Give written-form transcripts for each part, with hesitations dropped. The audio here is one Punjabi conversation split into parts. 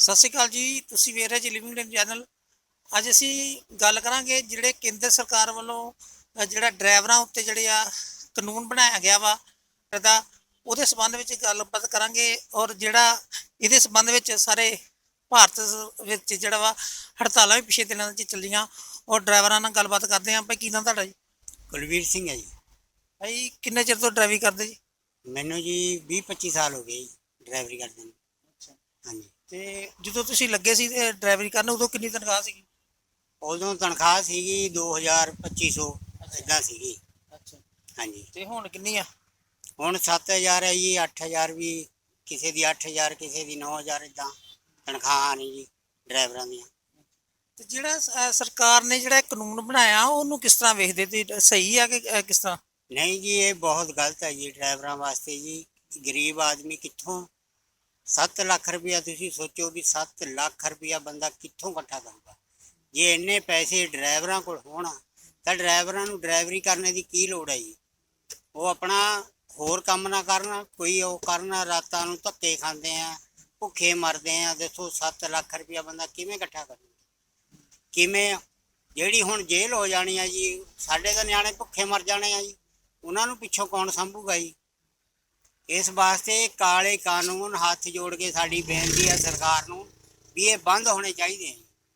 ਸਤਿ ਸ਼੍ਰੀ ਅਕਾਲ ਜੀ। ਤੁਸੀਂ ਵੇਖ ਰਹੇ ਜੀ ਲਿਵਿੰਗ ਲਾਈਨ ਚੈਨਲ। ਅੱਜ ਅਸੀਂ ਗੱਲ ਕਰਾਂਗੇ ਜਿਹੜੇ ਕੇਂਦਰ ਸਰਕਾਰ ਵੱਲੋਂ ਜਿਹੜਾ ਡਰਾਈਵਰਾਂ ਉੱਤੇ ਜਿਹੜੇ ਆ ਕਾਨੂੰਨ ਬਣਾਇਆ ਗਿਆ ਵਾ ਇਹਦਾ, ਉਹਦੇ ਸੰਬੰਧ ਵਿੱਚ ਗੱਲਬਾਤ ਕਰਾਂਗੇ। ਔਰ ਜਿਹੜਾ ਇਹਦੇ ਸੰਬੰਧ ਵਿੱਚ ਸਾਰੇ ਭਾਰਤ ਵਿੱਚ ਜਿਹੜਾ ਵਾ ਹੜਤਾਲਾਂ ਵੀ ਪਿਛਲੇ ਦਿਨਾਂ 'ਚ ਚੱਲੀਆਂ। ਔਰ ਡਰਾਈਵਰਾਂ ਨਾਲ ਗੱਲਬਾਤ ਕਰਦੇ ਹਾਂ। ਭਾਈ ਕੀ ਨਾਮ ਤੁਹਾਡਾ ਜੀ? ਕੁਲਵੀਰ ਸਿੰਘ ਹੈ ਜੀ। ਭਾਈ ਕਿੰਨੇ ਚਿਰ ਤੋਂ ਡਰਾਈਵਿੰਗ ਕਰਦੇ ਜੀ? ਮੈਨੂੰ ਜੀ 20-25 ਸਾਲ ਹੋ ਗਏ ਜੀ ਡਰਾਈਵਰੀ ਕਰਦੇ ਨੂੰ। ਅੱਛਾ। ਹਾਂਜੀ। ਤੇ ਜਦੋਂ ਤੁਸੀਂ ਲੱਗੇ ਸੀ ਡਰਾਈਵਰੀ ਕਰਨ, ਉਦੋਂ ਕਿੰਨੀ ਤਨਖਾਹ ਸੀਗੀ? ਉਦੋਂ ਤਨਖਾਹ ਸੀਗੀ 2000-2500 ਇੱਦਾਂ ਸੀਗੀ। ਅੱਛਾ। ਹਾਂਜੀ। ਤੇ ਹੁਣ ਕਿੰਨੀ ਆ? ਹੁਣ 7000 ਹੈ ਜੀ। 8000 ਵੀ ਕਿਸੇ ਦੀ 8000, ਕਿਸੇ ਦੀ 9000 ਇੱਦਾਂ ਤਨਖਾਹਾਂ ਨਹੀਂ ਜੀ ਡਰਾਈਵਰਾਂ ਦੀਆਂ। ਤੇ ਜਿਹੜਾ ਸਰਕਾਰ ਨੇ ਜਿਹੜਾ ਕਾਨੂੰਨ ਬਣਾਇਆ ਉਹਨੂੰ ਕਿਸ ਤਰ੍ਹਾਂ ਵੇਖਦੇ ਤੇ ਸਹੀ ਆ ਕਿ ਕਿਸ ਤਰ੍ਹਾਂ? ਨਹੀਂ ਜੀ, ਇਹ ਬਹੁਤ ਗਲਤ ਹੈ ਜੀ ਡਰਾਈਵਰਾਂ ਵਾਸਤੇ ਜੀ। ਗਰੀਬ ਆਦਮੀ ਕਿੱਥੋਂ 7 ਲੱਖ ਰੁਪਇਆ, ਤੁਸੀਂ ਸੋਚੋ ਵੀ 7 ਲੱਖ ਰੁਪਇਆ ਬੰਦਾ ਕਿੱਥੋਂ ਇਕੱਠਾ ਕਰੂਗਾ। ਜੇ ਇੰਨੇ ਪੈਸੇ ਡਰਾਈਵਰਾਂ ਕੋਲ ਹੋਣ ਤਾਂ ਡਰਾਈਵਰਾਂ ਨੂੰ ਡਰਾਈਵਰੀ ਕਰਨੇ ਦੀ ਕੀ ਲੋੜ ਹੈ ਜੀ। ਉਹ ਆਪਣਾ ਹੋਰ ਕੰਮ ਨਾ ਕਰਨ, ਕੋਈ ਉਹ ਕਰਨ, ਰਾਤਾਂ ਨੂੰ ਧੱਕੇ ਖਾਂਦੇ ਆ, ਭੁੱਖੇ ਮਰਦੇ ਆ। ਦੱਸੋ 7 ਲੱਖ ਰੁਪਇਆ ਬੰਦਾ ਕਿਵੇਂ ਇਕੱਠਾ ਕਰੂਗਾ? ਕਿਵੇਂ? ਜਿਹੜੀ ਹੁਣ ਜੇਲ੍ਹ ਹੋ ਜਾਣੀ ਆ ਜੀ, ਸਾਡੇ ਤਾਂ ਨਿਆਣੇ ਭੁੱਖੇ ਮਰ ਜਾਣੇ ਆ ਜੀ, ਉਹਨਾਂ ਨੂੰ ਪਿੱਛੋਂ ਕੌਣ ਸੰਭੂਗਾ ਜੀ? ਇਸ ਵਾਸਤੇ ਕਾਲੇ ਕਾਨੂੰਨ ਹੱਥ ਜੋੜ ਕੇ ਸਾਡੀ ਬੇਨਤੀ ਹੈ ਸਰਕਾਰ ਨੂੰ ਵੀ ਇਹ ਬੰਦ ਹੋਣੇ ਚਾਹੀਦੇ ਆ।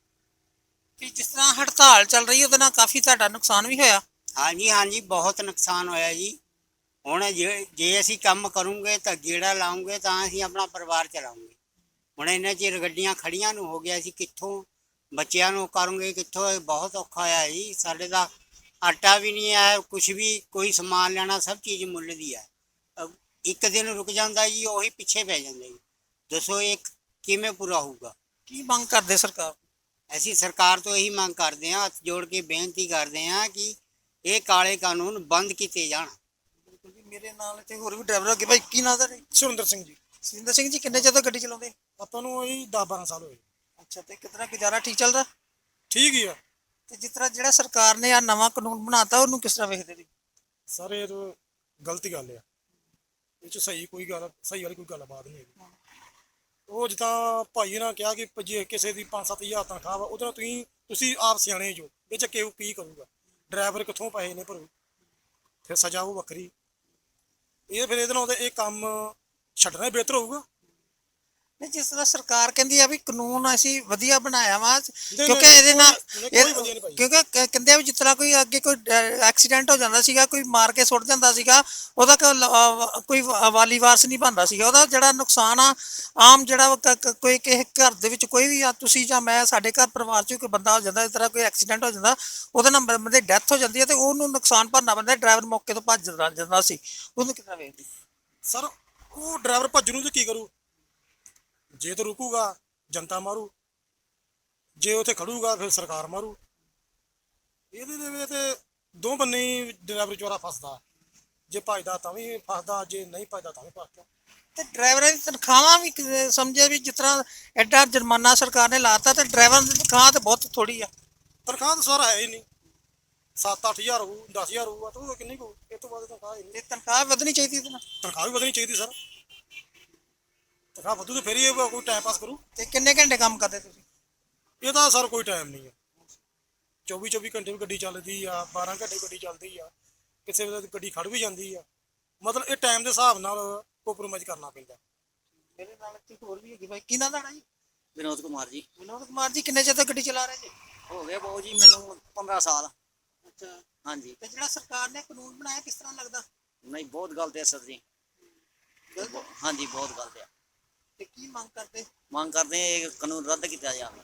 ਕਿ ਜਿਸ ਤਰ੍ਹਾਂ ਹੜਤਾਲ ਚੱਲ ਰਹੀ ਉਹਦੇ ਨਾਲ ਕਾਫੀ ਤੁਹਾਡਾ ਨੁਕਸਾਨ ਵੀ ਹੋਇਆ? ਹਾਂਜੀ ਹਾਂਜੀ, ਬਹੁਤ ਨੁਕਸਾਨ ਹੋਇਆ ਜੀ। ਹੁਣ ਜੇ ਅਸੀਂ ਕੰਮ ਕਰੂੰਗੇ ਤਾਂ ਗੇੜਾ ਲਾਉਂਗੇ ਤਾਂ ਅਸੀਂ ਆਪਣਾ ਪਰਿਵਾਰ ਚਲਾਉਂਗੇ। ਹੁਣ ਇੰਨੇ ਚਿਰ ਗੱਡੀਆਂ ਖੜੀਆਂ ਨੂੰ ਹੋ ਗਿਆ, ਅਸੀਂ ਕਿੱਥੋਂ ਬੱਚਿਆਂ ਨੂੰ ਕਰੂੰਗੇ, ਕਿੱਥੋਂ? ਬਹੁਤ ਔਖਾ ਹੋਇਆ ਜੀ। ਸਾਡੇ ਦਾ ਆਟਾ ਵੀ ਨਹੀਂ ਹੈ, ਕੁਛ ਵੀ, ਕੋਈ ਸਮਾਨ ਲੈਣਾ ਸਭ ਚੀਜ਼ ਮੁੱਲ ਦੀ ਹੈ। ਇੱਕ ਦਿਨ ਰੁਕ ਜਾਂਦਾ ਜੀ, ਉਹੀ ਪਿੱਛੇ ਪੈ ਜਾਂਦਾ ਜੀ। ਦੱਸੋ ਇਹ ਕਿਵੇਂ ਪੂਰਾ ਹੋਊਗਾ? ਕੀ ਮੰਗ ਕਰਦੇ ਸਰਕਾਰ? ਅਸੀਂ ਸਰਕਾਰ ਤੋਂ ਇਹੀ ਮੰਗ ਕਰਦੇ ਹਾਂ, ਹੱਥ ਜੋੜ ਕੇ ਬੇਨਤੀ ਕਰਦੇ ਹਾਂ ਕਿ ਇਹ ਕਾਲੇ ਕਾਨੂੰਨ ਬੰਦ ਕੀਤੇ ਜਾਣ। ਮੇਰੇ ਨਾਲ ਇੱਥੇ ਹੋਰ ਵੀ ਡਰਾਈਵਰ ਅੱਗੇ। ਭਾਈ ਕੀ ਨਾਮ ਦਾ? ਸੁਰਿੰਦਰ ਸਿੰਘ ਜੀ। ਸੁਰਿੰਦਰ ਸਿੰਘ ਜੀ, ਕਿੰਨੇ ਚਿਰ ਤੋਂ ਗੱਡੀ ਚਲਾਉਂਦੇ? ਆਪਾਂ ਨੂੰ ਇਹ 10-12 ਸਾਲ ਹੋਏ। ਅੱਛਾ। ਤੇ ਕਿਤਨਾ ਗੁਜ਼ਾਰਾ ਠੀਕ ਚੱਲਦਾ? ਠੀਕ ਹੀ ਆ ਤੇ ਜਿਸ ਤਰ੍ਹਾਂ ਜਿਹੜਾ ਸਰਕਾਰ ਨੇ ਆ ਨਵਾਂ ਕਾਨੂੰਨ ਬਣਾਤਾ ਉਹਨੂੰ ਕਿਸ ਤਰ੍ਹਾਂ ਵੇਖਦੇ ਜੀ? ਸਰ, ਇਹ ਤਾਂ ਗਲਤ ਗੱਲ ਆ। ਇਹ 'ਚ ਸਹੀ ਵਾਲੀ ਕੋਈ ਗੱਲਬਾਤ ਨਹੀਂ ਹੈਗੀ। ਉਹ ਜਿੱਦਾਂ ਭਾਈ ਨੇ ਕਿਹਾ ਕਿ ਜੇ ਕਿਸੇ ਦੀ 5-7 ਹਜ਼ਾਰ ਤਨਖਾਹ ਵਾ, ਉਹਦੇ ਨਾਲ ਤੁਸੀਂ ਆਪ ਸਿਆਣੇ ਜੋ, ਇਹ 'ਚ ਕੀ ਕਰੂਗਾ? ਡਰਾਈਵਰ ਕਿੱਥੋਂ ਪੈਸੇ ਨੇ ਭਰੂ? ਫਿਰ ਸਜ਼ਾ ਉਹ ਵੱਖਰੀ। ਫਿਰ ਇਹਦੇ ਨਾਲ ਇਹ ਕੰਮ ਛੱਡਣਾ ਬਿਹਤਰ ਹੋਊਗਾ। ਨਹੀਂ, ਜਿਸ ਤਰ੍ਹਾਂ ਸਰਕਾਰ ਕਹਿੰਦੀ ਆ ਵੀ ਕਾਨੂੰਨ ਅਸੀਂ ਵਧੀਆ ਬਣਾਇਆ ਵਾ, ਨਹੀਂ, ਕਿਉਂਕਿ ਇਹਦੇ ਨਾਲ ਕੋਈ ਵਧੀਆ ਨਹੀਂ ਭਾਈ। ਕਿਉਂਕਿ ਕਹਿੰਦੇ ਆ ਵੀ ਜਿਸ ਤਰ੍ਹਾਂ ਕੋਈ ਅੱਗੇ ਕੋਈ ਐਕਸੀਡੈਂਟ ਹੋ ਜਾਂਦਾ ਸੀਗਾ, ਕੋਈ ਮਾਰ ਕੇ ਸੁੱਟ ਜਾਂਦਾ ਸੀਗਾ, ਉਹਦਾ ਕੋਈ ਵਾਲੀ ਵਾਰਸ ਨਹੀਂ ਬਣਦਾ ਸੀਗਾ। ਉਹਦਾ ਜਿਹੜਾ ਨੁਕਸਾਨ ਆ ਆਮ ਜਿਹੜਾ ਕੋਈ ਕਿਸੇ ਘਰ ਦੇ ਵਿੱਚ ਕੋਈ ਵੀ ਆ, ਤੁਸੀਂ ਜਾਂ ਮੈਂ, ਸਾਡੇ ਘਰ ਪਰਿਵਾਰ 'ਚ ਕੋਈ ਬੰਦਾ ਹੋ ਜਾਂਦਾ, ਇਸ ਤਰ੍ਹਾਂ ਕੋਈ ਐਕਸੀਡੈਂਟ ਹੋ ਜਾਂਦਾ, ਉਹਦੇ ਨਾਲ ਬੰਦੇ ਦੀ ਡੈਥ ਹੋ ਜਾਂਦੀ ਹੈ ਤੇ ਉਹਨੂੰ ਨੁਕਸਾਨ ਭਰਨਾ ਪੈਂਦਾ। ਡਰਾਈਵਰ ਮੌਕੇ ਤੋਂ ਭੱਜ ਜਾਂਦਾ ਸੀ, ਉਹਨੂੰ ਕਿੱਦਾਂ ਵੇਖਦੇ? ਸਰ, ਉਹ ਡਰਾਈਵਰ ਭੱਜਣ ਨੂੰ ਤੇ ਕੀ ਕਰੂ? ਜੇ ਤਾਂ ਰੁਕੂਗਾ ਜਨਤਾ ਮਾਰੂ, ਜੇ ਉੱਥੇ ਖੜੂਗਾ ਫਿਰ ਸਰਕਾਰ ਮਾਰੂ। ਇਹਦੇ ਦੇ ਵਿੱਚ ਤੇ ਦੋ ਬੰਨੇ ਡਰਾਈਵਰ ਚੋਰਾ ਫਸਦਾ। ਜੇ ਭੱਜਦਾ ਤਾਂ ਵੀ ਫਸਦਾ, ਜੇ ਨਹੀਂ ਭੱਜਦਾ ਤਾਂ ਵੀ ਫਸਦਾ। ਤੇ ਡਰਾਈਵਰਾਂ ਦੀ ਤਨਖਾਹਾਂ ਵੀ ਸਮਝੇ ਵੀ ਜਿਸ ਤਰ੍ਹਾਂ ਐਡਾ ਜੁਰਮਾਨਾ ਸਰਕਾਰ ਨੇ ਲਾਤਾ, ਤੇ ਡਰਾਈਵਰਾਂ ਦੀ ਤਨਖਾਹ ਤਾਂ ਬਹੁਤ ਥੋੜੀ ਆ। ਤਨਖਾਹ ਤਾਂ ਸਰ ਹੈ ਹੀ ਨਹੀਂ। 7-8 ਹਜ਼ਾਰ ਹੋਊ, 10 ਹਜ਼ਾਰ ਹੋਊਗਾ ਤਾਂ ਉਹ ਕਿੰਨੀ ਕੁ? ਇਹ ਤੋਂ ਬਾਅਦ ਤਨਖਾਹ ਹੀ ਨਹੀਂ। ਤੇ ਤਨਖਾਹ ਵਧਣੀ ਚਾਹੀਦੀ ਇਹਦੇ ਨਾਲ। ਤਨਖਾਹ ਵੀ ਵਧਣੀ ਚਾਹੀਦੀ ਸਰ। ਤਨਖਾਹ ਵਧੂ ਤਾਂ ਫਿਰ ਹੀ ਕੋਈ ਟਾਈਮ ਪਾਸ ਕਰੂ। ਤੇ ਕਿੰਨੇ ਘੰਟੇ ਕੰਮ ਕਰਦੇ ਤੁਸੀਂ? ਇਹਦਾ ਸਰ ਕੋਈ ਟਾਈਮ ਨਹੀਂ ਹੈ। 24 ਘੰਟੇ ਵੀ ਗੱਡੀ ਚੱਲਦੀ ਆ, 12 ਘੰਟੇ ਗੱਡੀ ਚੱਲਦੀ ਆ, ਕਿਸੇ ਵੇਲੇ ਗੱਡੀ ਖੜ ਵੀ ਜਾਂਦੀ ਆ। ਮਤਲਬ ਇਹ ਟਾਈਮ ਦੇ ਹਿਸਾਬ ਨਾਲ ਕੰਪਰੋਮਾਈਜ਼ ਕਰਨਾ ਪੈਂਦਾ। ਮੇਰੇ ਨਾਲ ਇੱਥੇ ਹੋਰ ਵੀ ਹੈਗੀ। ਭਾਈ ਕੀ ਨਾਮ ਤੁਹਾਡਾ ਜੀ? ਵਿਨੋਦ ਕੁਮਾਰ ਜੀ। ਵਿਨੋਦ ਕੁਮਾਰ ਜੀ, ਕਿੰਨੇ ਚਿਰ ਤੋਂ ਗੱਡੀ ਚਲਾ ਰਹੇ ਜੀ? ਹੋ ਗਏ ਬਹੁਤ ਜੀ, ਮੈਨੂੰ 15 ਸਾਲ। ਅੱਛਾ। ਹਾਂਜੀ। ਤੇ ਜਿਹੜਾ ਸਰਕਾਰ ਨੇ ਕਾਨੂੰਨ ਬਣਾਇਆ ਕਿਸ ਤਰ੍ਹਾਂ ਲੱਗਦਾ? ਨਹੀਂ, ਬਹੁਤ ਗਲਤ ਹੈ ਸਰ ਜੀ। ਹਾਂਜੀ, ਬਹੁਤ ਗਲਤ ਹੈ। ਤੇ ਕੀ ਮੰਗ ਕਰਦੇ? ਮੰਗ ਕਰਦੇ ਹਾਂ ਇਹ ਕਾਨੂੰਨ ਰੱਦ ਕੀਤਾ ਜਾਵੇ।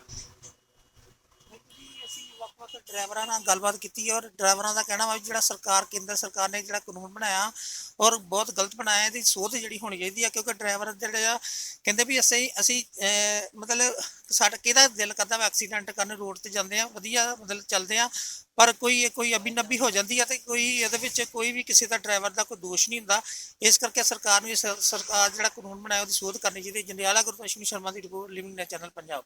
ਅਸੀਂ ਵੱਖ-ਵੱਖ ਡਰਾਈਵਰਾਂ ਨਾਲ ਗੱਲਬਾਤ ਕੀਤੀ ਔਰ ਡਰਾਈਵਰਾਂ ਦਾ ਕਹਿਣਾ ਵਾ ਜਿਹੜਾ ਸਰਕਾਰ, ਕੇਂਦਰ ਸਰਕਾਰ ਨੇ ਜਿਹੜਾ ਕਾਨੂੰਨ ਬਣਾਇਆ ਔਰ ਬਹੁਤ ਗਲਤ ਬਣਾਇਆ, ਇਹਦੀ ਸੋਧ ਜਿਹੜੀ ਹੋਣੀ ਚਾਹੀਦੀ ਆ। ਕਿਉਂਕਿ ਡਰਾਈਵਰ ਜਿਹੜੇ ਆ ਕਹਿੰਦੇ ਵੀ ਅਸੀਂ ਮਤਲਬ ਸਾਡਾ ਕਿਹਦਾ ਦਿਲ ਕਰਦਾ ਵਾ ਐਕਸੀਡੈਂਟ ਕਰਨ, ਰੋਡ ਤੇ ਜਾਂਦੇ ਆ ਵਧੀਆ, ਮਤਲਬ ਚੱਲਦੇ ਆ, ਪਰ ਕੋਈ ਅਬੀ ਨਬੀ ਹੋ ਜਾਂਦੀ ਆ ਤੇ ਕੋਈ ਇਹਦੇ ਵਿੱਚ ਕੋਈ ਵੀ ਕਿਸੇ ਦਾ ਡਰਾਈਵਰ ਦਾ ਕੋਈ ਦੋਸ਼ ਨਹੀਂ ਹੁੰਦਾ। ਇਸ ਕਰਕੇ ਸਰਕਾਰ ਨੂੰ ਸਰਕਾਰ ਜਿਹੜਾ ਕਾਨੂੰਨ ਬਣਾਇਆ ਉਹਦੀ ਸੋਧ ਕਰਨੀ ਚਾਹੀਦੀ। ਜੰਡਿਆਲਾ ਗੁਰਪ੍ਰਸ਼ਨੀ ਸ਼ਰਮਾ ਦੀ ਰਿਪੋਰਟ, ਲਿਵਿੰਗ ਚੈਨਲ ਪੰਜਾਬ।